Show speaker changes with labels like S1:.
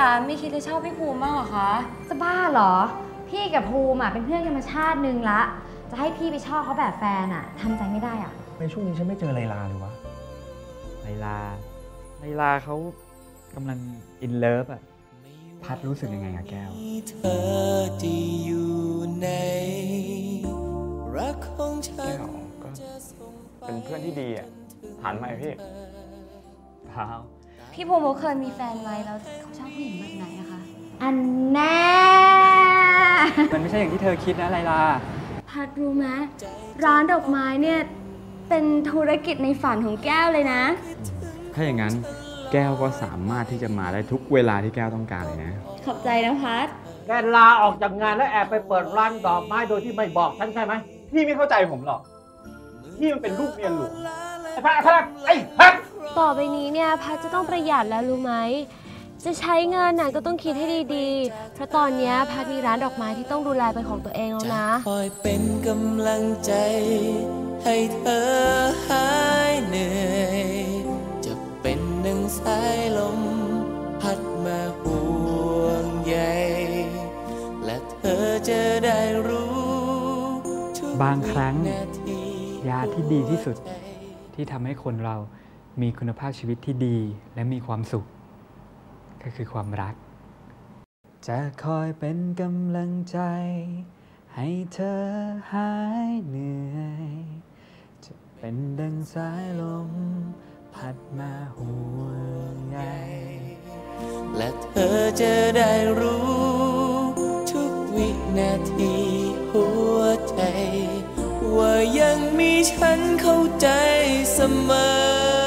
S1: อ่ะไม่คิดจะชอบพี่ภูมิบ้างเหรอคะ
S2: จะบ้าเหรอพี่กับภูมิเป็นเพื่อนกันมาชาตินึงละจะให้พี่ไปชอบเขาแบบแฟนทำใจไม่ได้
S3: ในช่วงนี้ฉันไม่เจอไลลาเลยวะ
S4: ไลลาเขากำลังอินเลิฟ
S3: พัดรู้สึกยังไงอะแก้ว
S5: เธอที่อยู่ในรักของฉันก็
S3: เป็นเพื่อนที่ดีหันมาพี่เปล่า
S1: พี่ภูมิเขาเคยมีแฟนไหมแล้วเขาชอบผู้หญิงแบบไหนอะคะ
S2: อันแน่
S4: มันไม่ใช่อย่างที่เธอคิดนะไลลา
S1: พัดรู้ไหมร้านดอกไม้เนี่ยเป็นธุรกิจในฝันของแก้วเลยนะ
S3: ถ้าอย่างนั้นแก้วก็สามารถที่จะมาได้ทุกเวลาที่แก้วต้องการเลยนะ
S1: ขอบใจนะพัด
S6: แกลาออกจากงานแล้วแอบไปเปิดร้านดอกไม้โดยที่ไม่บอกฉันใช่ไหม
S3: พี่ไม่เข้าใจผมหรอกพี่มันเป็นลูกเมียหลวง
S6: ไอ้พัดไอ้พัด
S1: ต่อไปนี้เนี่ยพัดจะต้องประหยัดแล้วรู้ไหมจะใช้เงินก็ต้องคิดให้ดีๆเพราะตอนนี้พัดมีร้านดอกไม้ที่ต้องดูแลเป็นของตัวเองแล้วนะ
S5: คอยเป็นกำลังใจให้เธอหายเหนื่อยจะเป็นหนึ่งสายลมพัดมาห่วงใยและเธอจะได้รู้
S4: บางครั้งยาที่ดีที่สุดที่ทำให้คนเรามีคุณภาพชีวิตที่ดีและมีความสุขก็คือความรักจะคอยเป็นกำลังใจให้เธอหายเหนื่อยจะเป็นดังสายลมพัดมาห่วงใย
S5: และเธอจะได้รู้ทุกวินาทีหัวใจว่ายังมีฉันเข้าใจเสมอ